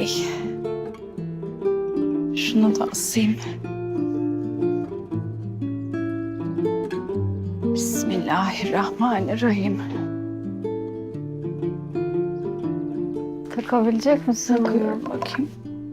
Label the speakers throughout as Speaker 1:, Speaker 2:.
Speaker 1: Şunu da asayım. Bismillahirrahmanirrahim.
Speaker 2: Takabilecek misin?
Speaker 1: Takıyorum bakayım.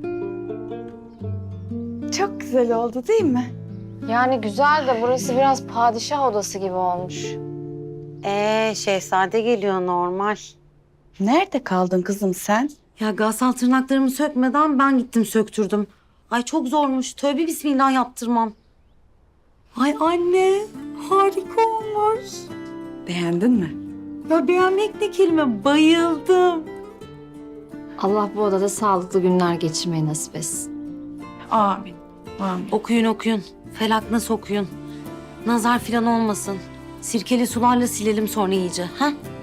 Speaker 1: Çok güzel oldu değil mi?
Speaker 2: Yani güzel de burası biraz padişah odası gibi olmuş.
Speaker 3: Şehzade geliyor normal.
Speaker 1: Nerede kaldın kızım sen?
Speaker 3: Ya Gassal tırnaklarımı sökmeden ben gittim söktürdüm. Ay çok zormuş. Tövbe bismillah yaptırmam. Ay anne harika olmuş.
Speaker 1: Beğendin mi?
Speaker 3: Ya beğenmek ne kelime, bayıldım.
Speaker 2: Allah bu odada sağlıklı günler geçirmeyi nasip etsin.
Speaker 1: Amin. Amin.
Speaker 3: Okuyun okuyun. Felak nasıl okuyun. Nazar filan olmasın. Sirkeli sularla silelim sonra iyice. Ha?